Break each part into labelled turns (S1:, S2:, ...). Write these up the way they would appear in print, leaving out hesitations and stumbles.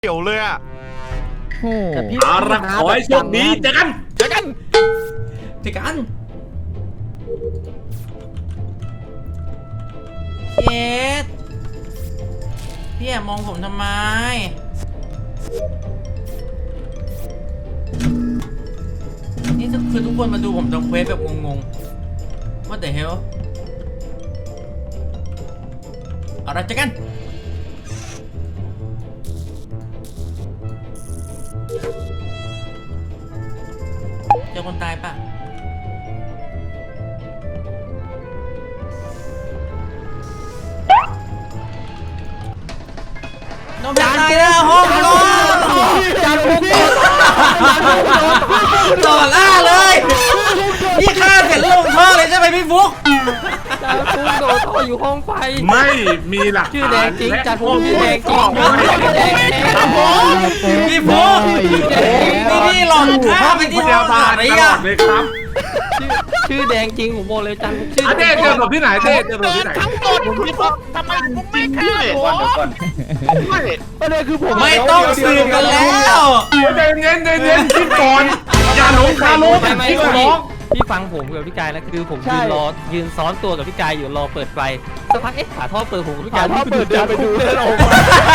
S1: เกี่ยวเลยอ่ะ
S2: เอาละขอให้โชคดีเจอกันเจอกันเ
S3: ย็ดพี่แอบมองผมทำไมนี่คือทุกคนมาดูผมทำเควสแบบงงๆ What the hell เอาละเจอกันเจอคนตายปะน้องตายแล้วห้องนอนต่อล่าเลยพี่ฆ่าเสร็จลงท่อเลยใช่ไหมพี่ฟุ๊ก
S4: จานฟุ๊กโดดท่ออยู่ห้องไฟ
S2: ไม่มีหลัก
S4: ชื่อแดงจริงจานฟุ๊กชื่อแดงจริง
S3: พี่ฟุ๊กพี่หลอกฆ่าไปที่ห้องอะไรอ่ะ
S2: เลยครับ
S4: ชื่อแดงจริงผมบอกเลยจานฟุ๊กชื่อ
S2: เต้เจอแบบที่ไหนเต้เจอแบบที่ไหน
S1: ทั้งหมดพี่ฟุ๊กทำไมฟุ๊กไม่ฆ่าผม
S4: ประเด็นคือผม
S3: ไม่ต้องสืบกันแล้ว
S2: ใจเย็นคิดก่อนอย่าหลงคาลุ้นคิดก่อน
S4: พี่ฟังผมกับพี่กายนะคือผมยืนซ้อนตัวกับพี่กายอยู่รอเปิดไฟสักพักฝาท่อเปิดผมกับพี่กายท่อเปิดเดินไปดูเดินออกมา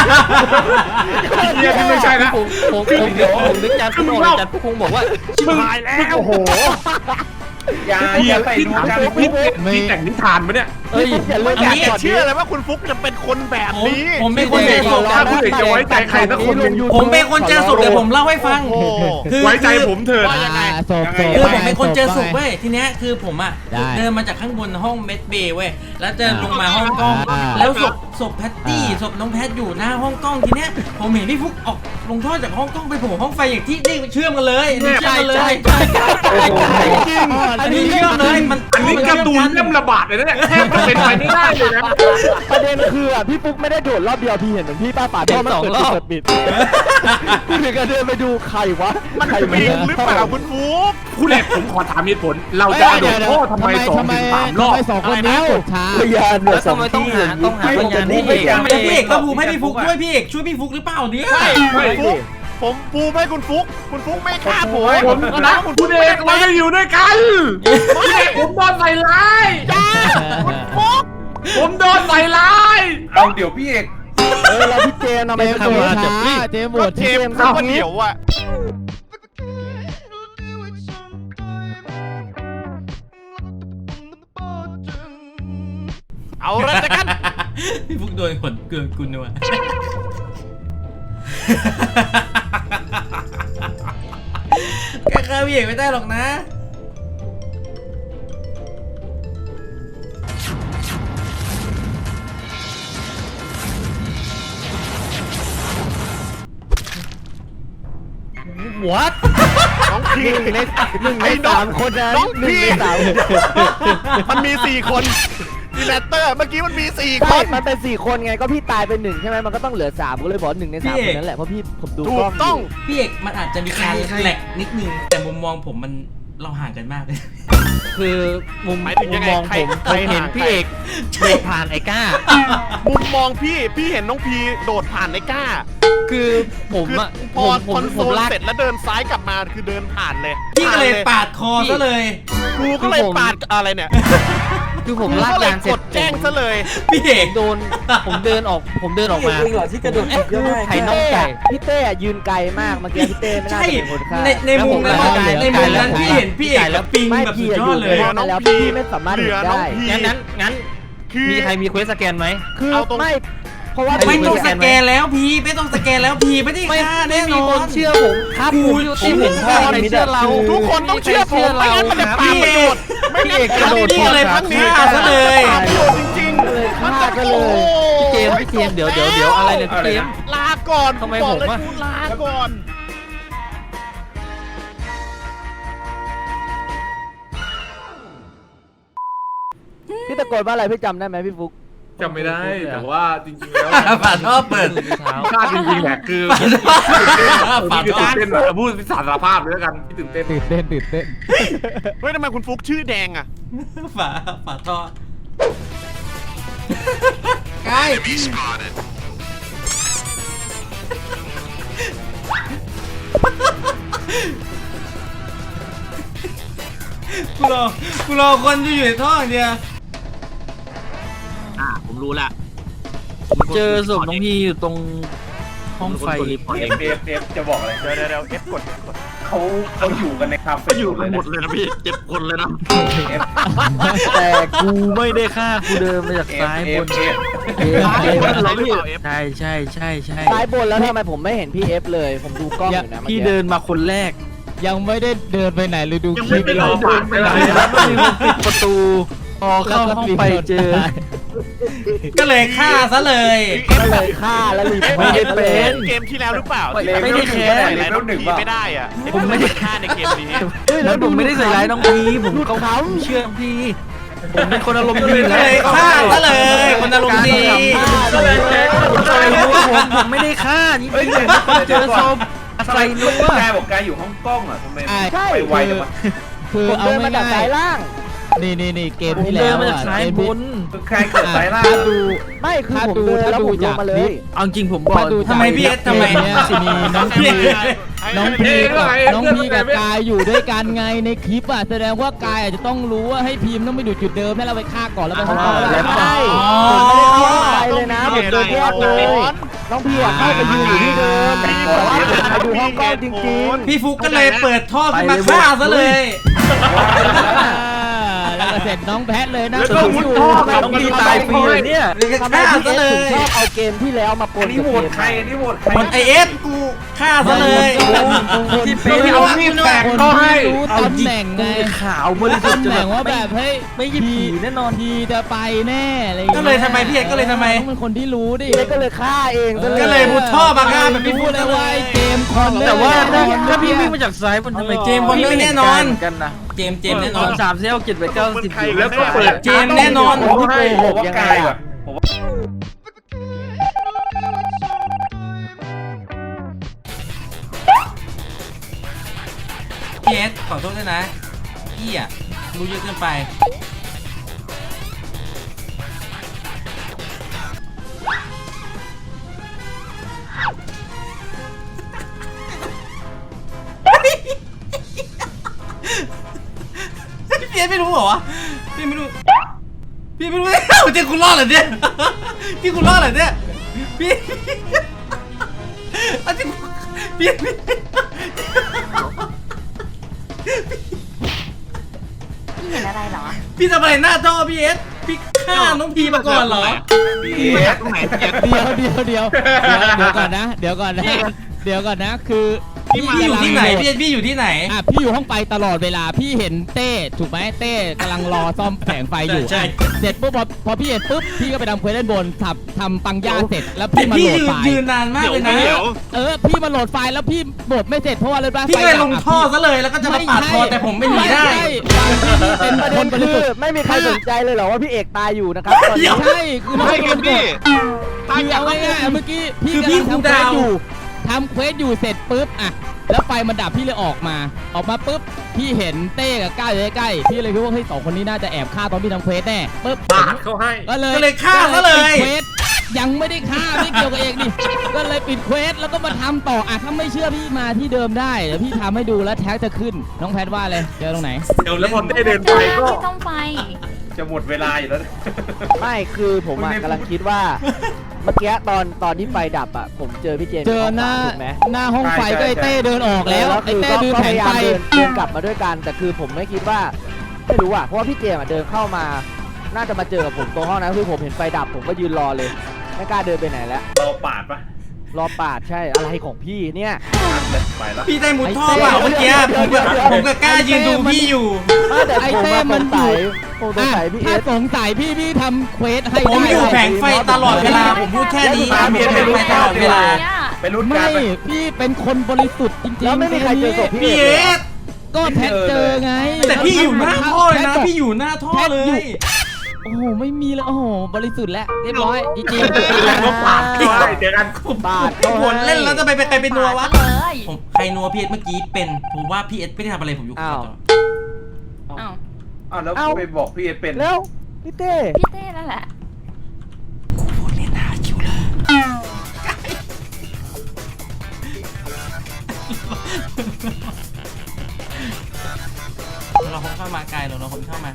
S2: ที่ไม่ใช่นะ
S4: ผมนึกจานฟุ๊กบอกจานฟุ๊กคงบอกว่าชิบหายแล้วโอ้โห
S2: อย่าไปดูกันพี่แต่งนิทานปะเนี่ย
S1: อย่าเชื่อเลยว่าคุณฟุ๊กจะเป็นคนแบบนี้
S3: ผมเป็นคนเจอศพ
S2: ถ้าคุณจะไว้ใจใครสักคน
S3: ผมเป็นคนเจอศพเดี๋ยวผมเล่าให้ฟัง
S2: คือไว้ใจผมเถิด
S3: คือผมเป็นคนเจอศพเว้ยทีเนี้ยคือผมอ่ะเดินมาจากข้างบนห้องเมดเบย์เว้ยแล้วเดินลงมาห้องกล้องแล้วศพแพตตี้ศพน้องแพทอยู่หน้าห้องกล้องทีเนี้ยผมเห็นพี่ฟุ๊กออกลงท่อจากห้องกล้องไปโผล่ห้องไฟอย่างที่นี่เชื่อมกันเลยนี่เชื่อมกันเลยอันนี้เชื่อมเลยมัน
S2: อันนี้การ์ตูนเริ่มระบาดเลยนะเนี่ยแทบจะเป็นไปไม่ได้เลยนะ
S5: ประเด็นคือพี่ฟุ๊กไม่ได้โดดรอบเดียวพี่เห็นเหมือนพี่ป้าป่าท่อมันเปิดปิดพี่ถึงกับเดินไปดูใครวะ
S1: มันปิงหรือเปล่าคุณฟุ๊ก
S2: คุณเอกผมขอถามเหตุผลเราจะโดดท่อทำไม2-3 รอบ
S5: 2 คนนี้ช้า
S4: พยานเนี่ยทำไมต้องหาพยานพี่
S3: เอกก็ภูมิให้พี่ฟุ๊กด้วยพี่เอกช่วยพี่ฟุ๊กหรือเปล่าเนี่ย
S1: ไม่ผมภูมิให้คุณฟุ๊กไม่ฆ่าผม
S2: นะคุณเอกเราจะอยู่ด้วยกันคุณเอกผมโดนใส่ร้าย
S1: คุณฟุ๊ก
S2: ผมโดนใส่ร้ายเอาเดี๋ยวพี่เอก
S5: แล้วพี่เจมทำไมทำมาจากพี่เจมหมด
S1: เจมเขาเดี๋ยวอ่ะเอาละจะกัน
S3: พี่ฟุ๊กโดนขนเกลือกุลด้วยแกฆ่าพี่เอกไม่ได้หรอกนะ
S5: What
S1: น้องพี
S5: หนึ่งใน3 คนนะ
S1: น้องพีมันมี4 คนดีแลตเตอร์เมื่อกี้มันมี4 คน
S5: มันเป็น4 คนไงก็พี่ตายไป1ใช่ไหมมันก็ต้องเหลือ3ก็เลยบอก1 ใน 3 คนนั้นแหละเพราะผมดูกล้อง
S1: ต้อง
S3: พี่เอกมันอาจจะมีการแหลกนิดนึงแต่มุมมองผมมันเราห่างกันมากเลย
S4: คือมุมมองผมเห็นพี่เอกโดดผ่านไอ้ก้า
S1: มุมมองพี่เห็นน้องพีโดดผ่านไอ้ก้า
S4: คือผมอะ
S1: พอคอนโซลเสร็จแล้วเดินซ้ายกลับมาคือเดินผ่านเลย
S3: พี่ก็เลยปาดคอซะเลย
S1: กูก็เลยปาดอะไรเนี่ย
S4: คือผมลากยางเสร็จ
S1: แจ้งซะเลย
S3: พี่เอก
S4: ผมเดินออกมา
S5: ที่กระโดด
S4: ไข่น้องไก่
S5: พี่เต้ยืนไกลมากเมื่อกี้พี่เต้ไม่น่าจะเป็นคนฆ่า
S3: ในมุมนั้นพี่เห็นพี่เอกแล้วปิงแบบสุดยอดเลย
S5: แล้วพี่ไม่สามารถเห็นได้
S4: งั้นมีใครมีเควสสแกนไหม
S5: คือไม่เพราะว่า
S3: ไม่ต้องสแกนแล้วพี่ไม่ต้องสแกนแล้วพี่ไม่ได้ฆ่าแน่นอน
S4: เชื่อผมครับที่เห็นพ่อในเชื่อเรา
S1: ทุกคนต้องเชื่อผมไม่งั้นมันจะปาประโยชน์ไม่งั้น
S3: กระโดดเลยพักฆ่าซะเลย
S1: จริงๆเลย
S5: ฆ่ากันเลย
S4: พี่เจมเดี๋ยวอะไรเนี่ยพี่เจม
S1: ลาก่อน
S4: ทำไมผมว่า
S1: ลาก่อน
S5: พี่ตะโกนว่าอะไรพี่จำได้ไหมพี่ฟุ๊ก
S2: จำไม่ได้แต่ว่าจริงๆแล้ว
S3: ฝาท่อเปิด
S2: พลาดจริงๆแหละคือฝาท่อเต้นพูดสารภาพเลยแล้วกันที่ตื่นเต้น
S1: เฮ้ยทำไมคุณฟุ๊กชื่อแดงอ่ะ
S3: ฝาท่อใกล้กูรอคนอยู่ในท่ออย่างเดียว
S2: ผมรู้ละ
S4: เจอศพน้องพีอยู่ตรงห้องไฟ
S2: เอฟจะบอกอะไร
S1: เดี๋ยวเอฟกด
S2: เขาอยู่กันในคาเฟ่อยู่กันหมดเลยนะพี่เจ็บคนเลยนะ
S4: แต่กูไม่ได้ฆ่ากูเดินมาจากซ้ายบนใช่ใช่ใช่ใช่
S5: ซ้ายบนแล้วทำไมผมไม่เห็นพี่เอฟเลย ผมดูกล้องอยู่นะ
S4: พี่เดินมาคนแรก
S6: ยังไม่ได้เดินไปไหนเลยดู
S2: ยัง
S6: คลิ
S2: ไม่
S6: ป
S2: ได้เดินไปไหน
S4: แล้วก็มีคนปิดประตูพอเข้าห้องไปเจอ
S3: ก็เลยฆ่าซะเลย
S5: ก็เลยฆ่าแล้วรีบ
S4: ไม่ได้เป็น
S1: เกมที่แล้วหรือเปล่า
S4: ไม่ได้แค้น
S1: ใส่ร้ายน้องพีไม่ได้อ่ะ
S4: ผมไม่ได้
S1: ฆ่าในเกมนี้
S4: แล้วผมไม่ได้ใส่ร้ายน้องพีผมเขาเชื่อน้องพีผมเป็นคนอารมณ์ดี
S3: ก็เลยฆ่าซะเลยคนอารมณ์ดี
S4: ก็เลยผมไม่ได้ฆ่านี่พี่ผมเจอศพใส่นัว
S2: กายบอกกายอยู่ห้องกล้องอ่ะทำไม
S5: ใช่
S2: ไปไวจังวะ
S6: คือ
S5: ผม
S6: เอา
S5: เดินมาจาก
S6: ง่า
S5: ซ้าย ยล่าง
S6: ๆนี่เกม
S4: ผม
S6: ที่
S4: เดิ
S6: แล้
S4: น
S6: ว
S4: มาจาก
S6: อ่ะ
S4: ซ้าย
S6: เกม
S4: บ
S6: ที่
S4: น
S2: ใครเกิดสายล่าง
S6: ถ้าดู
S5: ไม่คือ
S6: ถ้า
S5: ผม
S6: ดู
S5: เดินแล้วผมล
S6: ถ้าง
S5: มาเลย
S4: เอาจริงผมบอก
S6: ถ้าดู
S3: ทำไมพี่เอสทำไม
S6: เกเนี้ยสิมีน้องพีกับกายอยู่ด้วยกันไงในคลิปอ่ะแสดงว่ากายอาจจะต้องรู้ว่าให้พีมต้องไปดูจุดเดิมให้เราไปฆ่าก่อนแล้วไปฆ่าต่อ
S5: ใช่ผมไม่ได้เข้าไปเลยนะผมเดินแยกเลยน้องพี่อะเข้าไปยืนอยู่ที่เดิมแต่ว่าผมมาดูห้องกล้องจริง
S3: พี่ฟุกก็เลยเปิดท่อขึ้นมาฆ่าซะเลย
S6: แล้วก็เสร็จน้องแพทเลยนะ
S4: แล้วก็มุดท่อน้องพีตายฟรีเลยเนี่ย
S3: เลยก็
S5: ๆทำไม
S3: ฆ่า
S5: พี่
S3: ซะ
S5: เอ
S3: เล
S5: สถึง
S3: ย
S5: ชอบเอาเกมที่แล้วมาป
S2: อั
S5: น
S2: นนี้
S5: กับ
S2: โหว
S5: เก
S2: ต
S5: ม
S2: ใครอันนี้โหวตใคร
S3: คนไอเอสกูฆ่าซะเลย
S4: ที่เป็น
S2: เอามีดแตก
S6: คน
S2: ก็ให้
S6: ที่รู้ตำแหน่งไง
S4: ขาวบริสุทธิ์
S6: ตำแหน่งว่าแบบเฮ้ย
S4: ไม่หยิบผีแน่นอน
S6: พีจะไปแน่อะไรอาง
S3: ก็
S6: งี้
S3: เลยทำไมพี่เอสก็เลยทำไม
S6: ต้องเป็นคนที่รู้ดิ
S5: พี่เอสก็เลยฆ่าเองซะ
S3: ก็เลยมุดท่อมาฆ่าแบบพี่
S6: รู้
S3: ฟุก
S6: เล
S3: ซะ
S6: ย
S3: เล
S6: ว่าย ไอ้เกมคอน
S4: แต่ว่า
S6: แน่นอน
S4: ถ้าพี่วิ่งมาจากซ้ายบนทำไม
S3: เจมส์บอลไม่แน่นอน
S4: กันนะ
S3: เจมส์แน่นอน
S4: 3 7 8 9 10อยู่
S2: แล้วก็เปิด
S3: เจมส์แน่นอน
S2: ผมให้ผมว่ากายก่อนผมว่า
S3: พี่เอสขอโทษด้วยนะพี่อ่ะรู้เยอะเกินไปพี่เอสไม่รู้เหรอวะพี่ไม่รู้พี่ไม่รู้เจคุณรอดเหรอเนี่ยพี่คุณรอดเหรอเนี่ยพี่อันนี้พี่
S7: พี่เห็นอะไรเหรอ
S3: พี่ทำอะไรหน้าท่อพี่เอสพี่ฆ่าน้องพีมาก่อนเหรอ
S2: พี่เอสตรงไหนพี่เอส
S6: เดี๋ยวก่อนนะเดี๋ยวก่อนนะคือพี่
S3: พี่อยู่ที่ไหนพี่เอสพี่อยู่ที่ไหน
S6: อ่ะพี่อยู่ห้องไฟตลอดเวลาพี่เห็นเต้ถูกไหมเต้กำลังรอซ่อมแผงไฟอยู่
S3: ใช่
S6: เสร็จปุ๊บพอพี่เห็นปุ๊บพี่ก็ไปทำเควสด้านบนทำปังย่าเสร็จแล้ว
S3: แต่
S6: พี่มา
S3: พี่
S6: โหลดไฟล์
S3: ยืนนานมากเลยนะ
S6: พี่มาโหลดไฟล์แล้วพี่โหลดไม่เสร็จเพราะว่าอะไรบ้าง
S3: พี่ก็เลยลงท่อซะเลยแล้วก็จะมาปาดคอแต่ผมไม่หนีได้
S6: เป็น
S5: ประ
S6: ค
S5: เด็
S6: น
S5: น
S6: บริ
S5: คื
S6: สุ
S5: อ
S6: ทธิ์
S5: ไม่มีใครสนใจเลยเหรอว่าพี่เอกตายอยู่นะครับตอนนี้
S6: ใช่คือน้องเป็นคนคือเอาง่ายๆเมื่อกี้พี่
S3: คือพี่
S6: กำลัง
S3: คูลดาวน์
S6: ทำเควสอยู่เสร็จปุ๊บอ่ะแล้วไฟมันดับพี่เลยออกมาปุ๊บพี่เห็นเต้กับก้าวอยู่ใกล้ๆพี่เลยคิดว่าเฮ้ยสองคนนี้น่าจะแอบฆ่าตอนพี่ทำเควสแน่ปุ๊บ
S2: ปาดเขาให้
S6: ก็เลย
S3: ก็เลยฆ่าซะเลย
S6: ปิดเควสยังไม่ได้ฆ่าไม่เกี่ยวกับเองนี่ก็เลยปิดเควสแล้วก็มาทำต่ออ่ะถ้าไม่เชื่อพี่มาที่เดิมได้เดี๋ยวพี่ทำให้ดูแล้วแท็กจะขึ้นน้องแพทว่าเลยเจอตรงไหน
S2: เดี๋ยวแล้วพอได้เดินไปก็
S7: ที่ต้องไป
S2: จะหมดเวลาอยู่แล้ว
S5: ไม่คือผมอะกำลังคิดว่า เมื่อกี้ตอนที่ไฟดับอะผมเจอพี่เจมส์
S6: เจอหน้า
S5: ถูกไหม
S6: หน้าห้องไฟก็ไอ้เต้เดินออกแล้วไอ้
S5: คือ
S6: เต้
S5: ก็
S6: ดู
S5: ก็
S6: แผ
S5: พ
S6: ง
S5: ยายา
S6: ไฟ
S5: มเดินกลับมาด้วยกัน แต่คือผมไม่คิดว่าไม่รู้อะเพราะว่าพี่เจมส์อะเดินเข้ามา น่าจะมาเจอกับผมตรงห้องนั้นคือผมเห็นไฟดับผมก็ยืนรอเลยไม่กล้าเดินไปไหนแล้ว
S2: เราปาดปะ
S5: รอปาดใช่อะไรของพี่เนี่ย
S2: ไปแล้ว
S3: พี่ได้มุดท่อเปล่าเมื่อกี้ผมก็กล้ายืนดูพี่อยู่
S5: แต่
S6: ไอ้
S5: ผม
S6: เต้
S5: อะ
S6: มัน
S5: สง
S6: อ
S5: สั
S6: ยู่
S5: ยผมสงสัยพี่เอ
S6: ถ้า
S5: ส
S6: สงสัยพี่ทำเควสให้
S3: ผมอยู่
S6: ได้
S3: แผงไฟตลอดเวลาผมพูดแค่นี้ผมอยู่แผงไฟตลอดเวลา
S2: ไปรุ่นกั
S6: ไม่
S2: นไป
S6: พี่เป็นคนบริสุทธิ์จริงๆ
S5: แล้วไม่มีใครเจอศพ
S3: พี่
S5: พี่
S3: เอ
S5: เอก
S3: ส
S6: ก็แพทเจอไง
S3: แต่พี่อยู่หน้าท่อเลยนะพี่อยู่หน้าท่อเลย
S6: โอ้โหไม่มีแล้วโอ้โหบริสุทธิ์แล้วเรียบร้อยจริง
S2: แล้วก็ปาดเขาให้เจอกัน
S5: ปาด
S3: ผมผลเล่นแล้วจะไปใครเป็นนัววะ
S7: เลย
S3: ผมใครนัวพี่เอสเมื่อกี้เป็นผมว่าพี่เอสไม่ได้ทำอะไรผมอยู่ข้างจอ
S7: อ้าว
S2: อ้าวแล้วไปบอกพี่เอสเป็น
S5: แล้วพี่เต้
S7: พี่เต้นั่นแหละ
S3: กูพูดเล่นหาคิวเลยเราคนเข้ามากายเราคนเข้ามา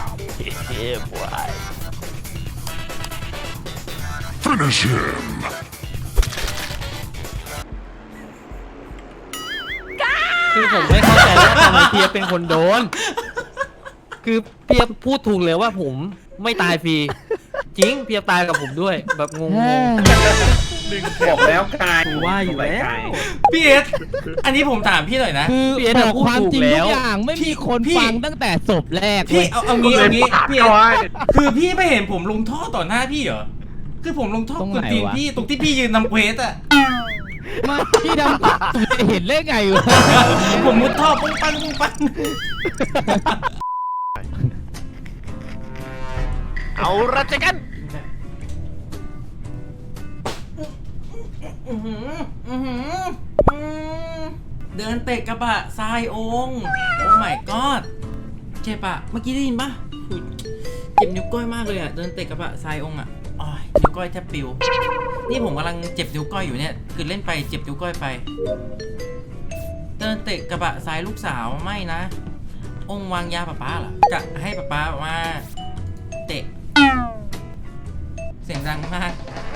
S4: คือผมไม่เข้าใจว่าทำไมเพียเป็นคนโดน คือเพียพูดถูกเลยว่าผมไม่ตายฟรีจริงเพียตายกับผมด้วยแบบงง
S2: บอกแล้วกาย
S4: ว่าอยู่แล้ว
S3: พี่เอสอันนี้ผมถามพี่หน่อยนะ
S6: คือ
S4: พี่เอ็ด
S6: บอก
S4: พูด
S6: ความ
S4: ถูก
S6: จริง
S4: แล้
S6: ทุ
S4: ว
S6: กอย่างไม่มีคน
S3: พี่
S6: ฟังตั้งแต่ศพแรก
S3: พี่
S6: เว้ย
S3: เอางี้พี่เอส
S2: ไว้
S3: คือพี่ไม่เห็นผมลงท่อต่อหน้าพี่เหรอคือผมลงท่อ
S6: ตรง
S3: ก
S6: ไหน
S3: ดตีน
S6: วะ
S3: พี่ตรงที่พี่ยืนทำเควสอะ
S6: มาพี่ดำเห็นได้ไงวะ
S3: ผมมุดท่อปุ้งปังปุ้งปัง
S1: เอาละเจอกัน
S3: เดินเตะกระบะทรายองค์โอ้ my god เจ็บอะเมื่อกี้ได้ยินปะอุ๊ยเจ็บนิ้วก้อยมากเลยอะเดินเตะกระบะทรายองค์อะอ้อยนิ้วก้อยแทบปิวนี่ผมกำลังเจ็บนิ้วก้อยอยู่เนี่ยคือเล่นไปเจ็บนิ้วก้อยไป เดินเตะกระบะทรายลูกสาวไม่นะ องค์วางยาป้าเหรอจะให้ป้ามาเตะ เสียงดังมาก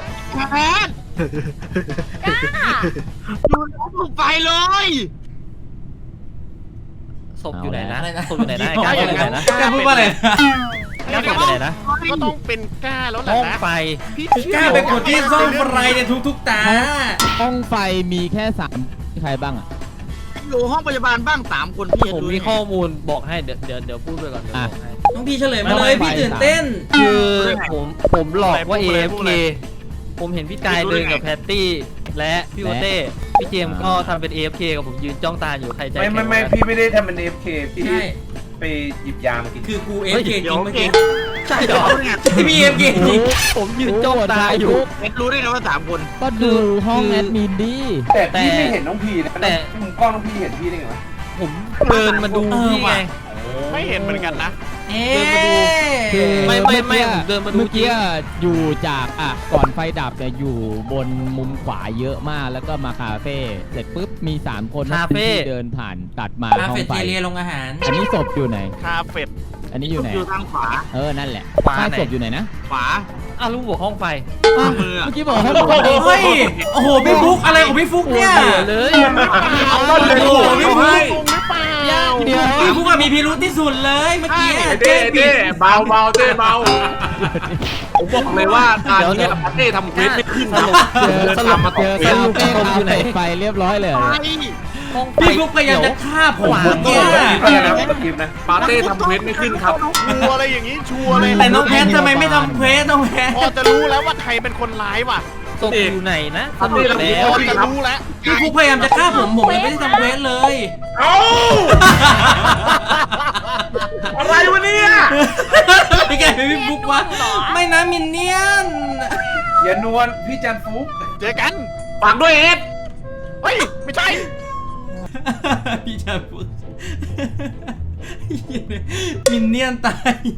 S4: ศพอยู่ไหนนะ
S3: อะไรนะ
S4: ศพอยู่ไหนนะไอ้การศพอยู่ไหนนะ
S3: กล้าพูดว่าอะไรนะ
S4: การศพอยู่ไหนนะ
S1: ก็ต้องเป็นกล้าแล้วแหละ
S4: ห้อง
S1: นะ
S4: ไฟ
S1: พี่
S3: กล้าเป็นคนที่ซ่อมไฟในทุกๆตา
S6: ห้องไฟมีแค่3ใครบ้างอ่ะ
S8: อยู่ห้องพยาบาลบ้าง3 คนพี่
S4: ผมมีข้อมูลบอกให้เดี๋ยวพูดไปก่อนเดี๋ยวบอกให้
S3: น้องพี่เฉลยมาเลยพี่ตื่นเต้น
S4: คือผมหลอกว่า AFK ผมเห็นพี่กายเดินกับแพตตี้และพี่โอเต้พี่เจมส์ก็ทำเป็น AFK กับผมยืนจ้องตาอยู่ใครใจแข็ง
S2: ไม่พี่ไม่ได้ทำเป็น AFK พี่
S3: ใช่
S2: ไปหยิบยามากิน
S3: คือกูเอฟเกจริงเมื่อกี้
S4: ใช่เหรอ
S3: ที่พี่เอฟเกจจริง
S4: ผมยืนจ้องตาอยู่
S8: เอ็ดรู้ได้ไงว่า3 คน
S6: ก็ดูห้องแอดมินดิ
S2: แต่พี่ไม่เห็นน้องพีนะ
S4: แต่
S2: มุมกล้องน้องพีเห็นพี่ได้ไงวะ
S4: ผมเดินมาดูพี่ไง
S1: ไม่เห็นเหมือนกันนะ
S3: เอ๊
S4: เดินมาดู
S6: คือ
S4: ไม่ผมเดินมาดู
S6: เมื่อกี้อยู่จากก่อนไฟดับเนี่ยอยู่บนมุมขวาเยอะมากแล้วก็มาคาเฟ่เสร็จปุ๊บมี3 คนที่เดินผ่านตัดมา
S3: คา
S6: ห้อ
S3: เฟ่
S6: งไฟ
S3: เทเลียลงอาหาร
S6: อันนี้ศพอยู่ไหน
S1: คาเฟ่
S6: อันนี้อยู่ไหน
S8: อยู่ทางขวา
S6: นั่นแหละ
S4: ขวา
S6: ใต้
S4: ไหน
S6: ศพอยู่ไหนนะ
S8: ขวา
S4: อ้าวลุงบอกห้องไฟ
S8: มือ
S6: เมื่อกี้บอกให้
S3: เฮ้ย โอ้โห พี่ฟุกอะไรของพี่ฟุกเนี่ย
S4: เหลือเลย
S1: เอาก็เลย
S3: โอ้โหพี่ฟุก
S1: หรือเปล่า
S6: เดี๋ยว
S3: พี่ฟุกอะมีพิรุธที่สุดเลยเมื่อกี้
S2: เต้เต้เบาเต้เบาผมบอกเลยว่าตอนนี้ปาเต้ทำเควสไม่ขึ้นครับเดินตามมาต่อ
S6: เจอ
S2: เควส
S6: คาเฟ่อยู่ไหนไฟเรียบร้อยเลย
S4: ห้องไฟ
S3: พี่ฟุกพยายามจะฆ่าผมเมื่อกี้
S2: นะปาเต้ทำเควสไม่ขึ้นครับ
S1: ชัวร์อะไรอย่างนี้ชัวร์เลย
S3: แต่น้องแพททำไมไม่ทำเควสน้องแพท
S1: พอจะรู้แล้วว่าใครเป็นคนร้ายว่ะ
S4: ศพอยู่ไหนนะส
S2: ปา
S4: รุ
S2: เต้
S4: ป
S2: ทำ
S4: แล้
S1: พ
S4: ว
S1: อจะรู้แล้ว
S3: พี่ฟุกพยายามจะฆ่าผมยังไม่ได้ทำเควสเลย
S2: เอ้าอะไรวะเนี่ย
S3: พี่แกเป็นพี่ฟุกวะไม่นะมินเนี่ยน
S2: อย่านวลพี่จันฟุก
S1: เจอกัน
S2: ฝากด้วยเอ็ด
S1: เฮ้ยไม่ใช่
S3: พี่ชายฟุกมินเนี่ยนตาย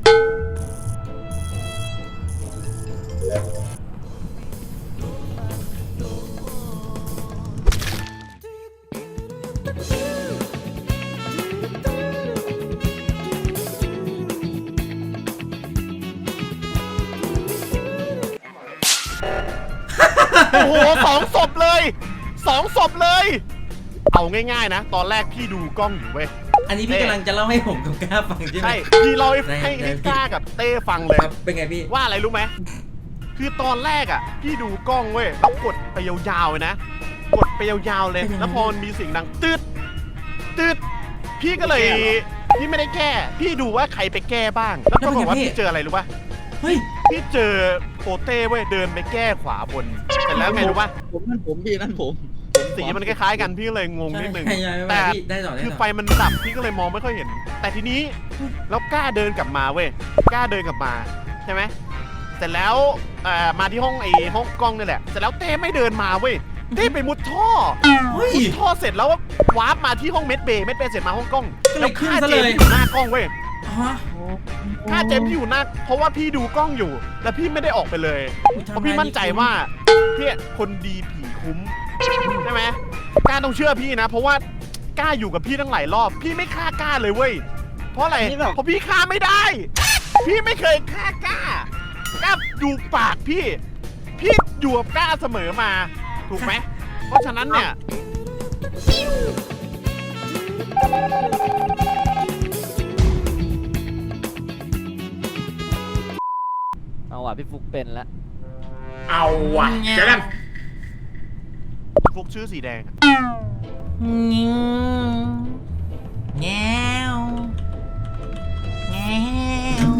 S1: โอ้โห2 ศพเลย2 ศพเลย เอาง่ายๆนะ ตอนแรกพี่ดูกล้องอยู่เว้ย
S3: อันนี้พี่กำลังจะเล่าให้ผมกับกล้าฟังใช่ไหม
S1: ใช่พี่เล่าให้
S3: ได้
S1: ให้กล้ากับเต้ฟังเลย
S3: ครับเป็นไงพี่
S1: ว่าอะไรรู้ไหมคือตอนแรกอ่ะพี่ดูกล้องเว้ยแล้วกดไปยาวๆเลยนะกดไปยาวๆเลยแล้วพอมันมีเสียงดังตืดพี่ก็เลยพี่ไม่ได้แก้พี่ดูว่าใครไปแก้บ้าง แล้วก็บอกว่าพี่เจออะไรรู้ป่ะ
S3: เฮ้ย
S1: พี่เจอโปเต้เว้ยเดินไปแก้ขวาบนเสร็จแล้วไงรู้ป่ะ
S8: ผมพี่นั่นผม
S1: สีมันคล้ายๆกันพี่ก็เลยงงนิดนึง
S3: ใช่
S1: แต่
S3: พี่ได้ต่อได้
S1: คือ
S3: ต่อ
S1: ไฟมันดับพี่ก็เลยมองไม่ค่อยเห็น แต่ทีนี้แล้วกล้าเดินกลับมาเว้ยกล้าเดินกลับมาใช่ไหมเสร็จแล้วมาที่ห้องห้องกล้องนี่แหละเสร็จแล้วเต้ไม่เดินมาเว้ยเต้ไปมุดท่อ
S3: เฮ้ย
S1: มุดท่อเสร็จแล้ววาร์ปมาที่ห้องเมดเบย์เสร็จมาห้องกล้อง
S3: ก็เลย
S1: แล้ว
S3: ขึ้น
S1: ฆ่า
S3: ซะ
S1: เจ
S3: เลย
S1: มส์ที่อยู่หน้ากล้องเว้ย
S3: ฮะ
S1: ฆ่าเจมส์ที่อยู่หน้าเพราะว่าพี่ดูกล้องอยู่ แล้วพี่ไม่ได้ออกไปเลยเพราะพี่มั่นใจว่าพี่คนดีผีคุ้มใช่ไหมกล้าต้องเชื่อพี่นะ เพราะว่ากล้าอยู่กับพี่ตั้งหลายรอบ พี่ไม่ฆ่ากล้าเลยเว้ยเพราะอะไร เพราะพี่ฆ่าไม่ได้ พี่ไม่เคยฆ่ากล้าดูปากพี่อยู่กับกล้าเสมอมา ถูกไหม เพราะฉะนั้นเนี่ย
S5: เอาว่ะพี่ฟุกเป็นแล้ว
S2: เอาว่ะเจอกัน
S1: ฟุกชื่อสีแดง
S3: แง้วแง้ว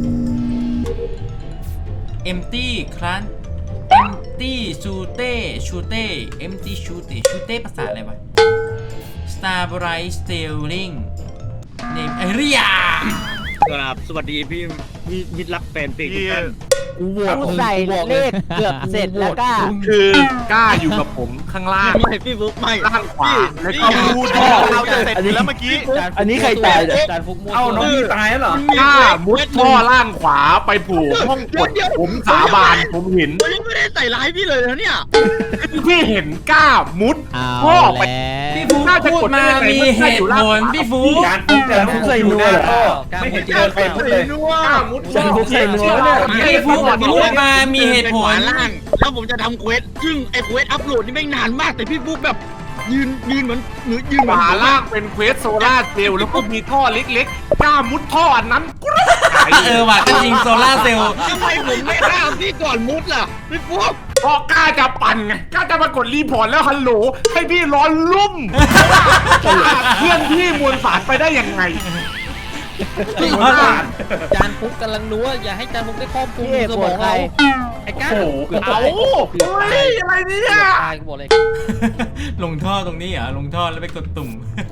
S3: empty ครั้น empty ชูเต้ empty ชูเต้ภาษาอะไรวะ starbright stealing name เรีย
S8: ครับสวัสดีพี่มิตรรักแฟนเพลงทุก
S1: พี่
S8: ท่าน
S4: กูโหวต
S5: กูใส่เลขเกือบเสร็จแล้วก็
S2: คือกล้าอยู่กับผมข้างล่าง
S8: ไม่พี่ฟุกไม่
S2: ล่างขวาแล้วก็
S1: ดูท่อเราจะเสร็จอยู่แล้วเมื่อกี้
S4: อันนี้ใครตายเนี่ยจานฟุกมั่ว
S2: เอาน้องพี่ตายแล้วเหรอกล้ามุดท่อล่างขวาไปผูกห้องกดผมสาบานผมเห็น
S8: ผมยังไม่ได้ใส่ร้ายพี่เลยนะเนี่ย
S2: พี่เห็นกล้ามุด
S6: เอา
S2: พ่อไป
S6: แล้ว
S3: พี่ฟูพูดมามีเหตุผลพี่ฟู
S2: แต่ฟุกใส่นัวไม่เห็นเดินไปมุดเลยกล้ามุดท่อ
S4: ฟุกใส่นัวเนี่ย
S3: พี่ฟูพูดมามีเหตุผล
S8: ล่างแล้วผมจะทำเควสซึ่งไอ้เควสอัพโหลดนี่ไม่งนานมากแต่พี่ฟุกแบบยืนเหมือนยืนเห
S2: ข
S8: มือน
S2: วาล่างเป็นเควสโซล่าเซลล์แล้วก็มีท่อเล็กๆกล้ามุดท่ออันนั้น
S3: ว่ะก็จริงโซล่าเซลล์
S8: ทำไมผมไม่ห้ามพี่ก่อนมุดล่ะพี่ฟุก
S2: เพราะกล้าจะปั่นไงกล้าจะมากดรีพอร์ตแล้วฮัลโหลให้พี่ร้อนลุ่มเพื่อนพี่มวลสารไปได้ยังไง
S4: จานฟุกกำลังนัวอย่าให้จานฟุกได้ครอบคลุม
S5: พี่เอก
S4: ส
S5: โห
S4: ม
S5: ว
S4: อ
S5: ต
S4: ง
S5: ใคร
S4: เราไอ้ก้า
S2: โอ้โหเอาเฮ้ยอะไรเนี่ย
S4: ตายกูบอกเลย
S3: ลงท่อตรงนี้เหรอลงท่อแล้วไปกดตุ่ม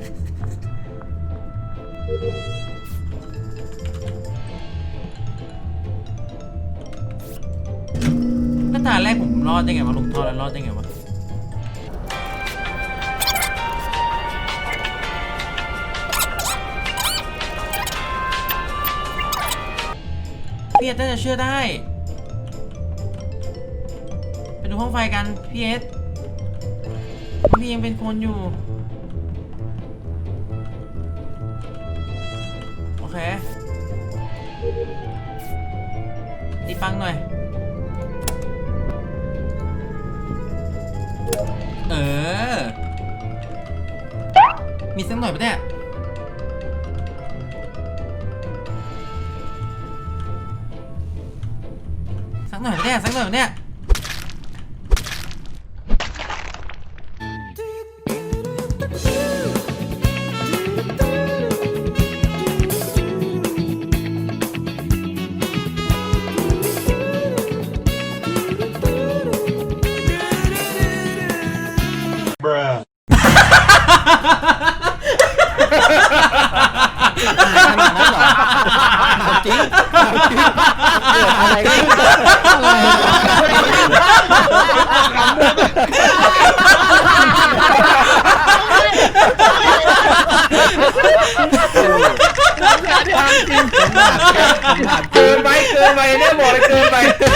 S3: หน้าตาแรกผมรอดได้ไงวะลงท่อแล้วรอดได้ไงวะพี่เอสน่าจะเชื่อได้ไปดูห้องไฟกันพี่เอสพี่ยังเป็นคนอยู่โอเคตีปังหน่อยมีสักหน่อยปะเนี่ยสักหน่อยปะเนี่ย
S4: จริง
S5: อะไรกัน
S2: เกินไปเนี่ยบอกเลยเกินไป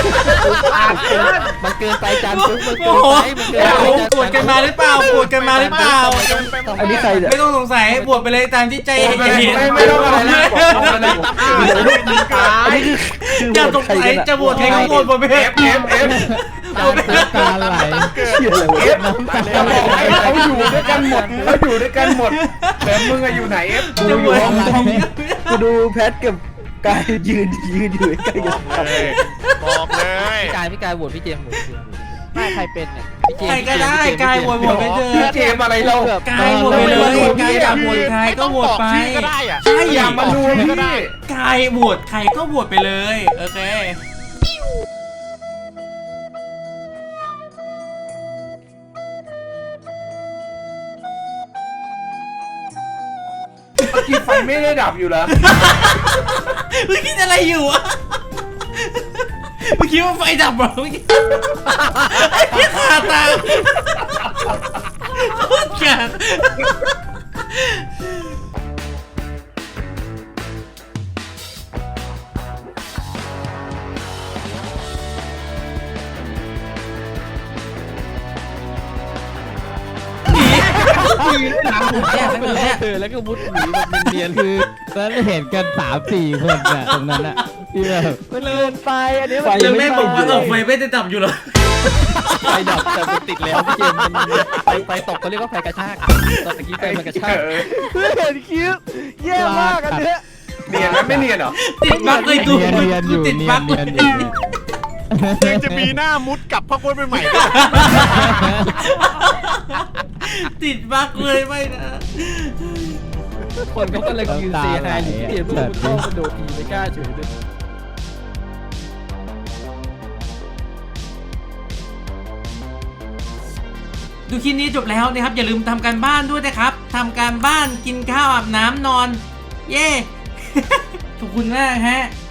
S5: มันเกินไปจานฟุกมัน
S3: โอ้
S5: เกิน
S3: โห
S5: ไปมันเกินไป
S3: ปวดกันมาหรือเปล่า
S5: อันนี้ใครเนี่ย
S3: ไม่ต้องสงสัยบวชไปเลยตามที่ใจเห็น
S2: ไม่ต้องอะไรนะบอกเลย
S3: อย่าสงสัยจะบวชใครก็บวชไปเถอะ
S6: จานฟุกการไหล
S2: น้ำตาเขาอยู่ด้วยกันหมดแต่มึงอะอยู่ไหนเอฟ
S3: จะบวช
S5: กูดูแพทกับกายยืนอยู่ใกล้กัน
S1: บอกเลย
S4: พี่กายโหวตพี่เจมส์โหวตพี่เจมส์
S5: ไม่ใครเป็นเนี่ย
S4: พี่เจมส์
S3: ใครก็ได้กายบวชไปเถ
S2: พี่
S3: อะ
S2: เจมอะไรเรา
S3: กายบวชไปเลยกายอยากบวชใครก็บวชไป
S1: ชื่อก็ได้อะ
S3: ใช่
S2: อย่ามาดูพี่
S3: กายบวชใครก็บวชไปเลยโอเค
S2: เมื่อกี้ไฟไม่ได้ดับอยู่เหรอ
S3: เมื่อกี้อะไรอยู่อะเมื่อกี้ว่าไฟดับเหรอเมื่อกี้ไอ้ที่ขาตาโคตรแก่หนี
S8: ดีเลยหนังผม
S3: เนี่ยสักหน่อยเนี่ย
S4: แล้วก็มุดหนีแบบเนียน
S6: คือแล้วเห็นกัน3-4 คนน่ะตรงนั้นอะที่แบบ
S5: มันเกินไปอันนี้
S6: ไฟ
S3: แล้วแม่บอกว่าเอาไฟไม่ได้ดับอยู่เหรอ
S4: ไฟดับแต่มันติดแล้วพี่เจมส์มันไฟตกเขาเรียกว่าไฟกระชากตอนตะกี้ไฟมันกระชาก
S5: เพื่อเห็นคลิปแย่มากอันเนี้ย
S2: เนียนไหมไม่เนียนเหรอ
S3: ติดบั๊กเลยดู
S6: เนียนอยู่
S3: ติด
S6: เนีย
S3: บั๊
S6: น
S3: ก
S6: เนียนอยู่
S1: ยังจะมีหน้ามุดกลับพ่อกล้วยไปใหม่ด้วย
S3: ติดบั๊กเลยไม่นะ
S4: คนเขาก็เลยยืนเซฮายอยู่ที่เจมส์เพื่อนเข้ากระโดดทีไม่กล้าเฉยเลย
S3: ดูคลิปนี้จบแล้วนะครับ อย่าลืมทำการบ้านด้วยนะครับทำการบ้านกินข้าวอาบน้ำนอน เย้ ขอบคุณมากฮะ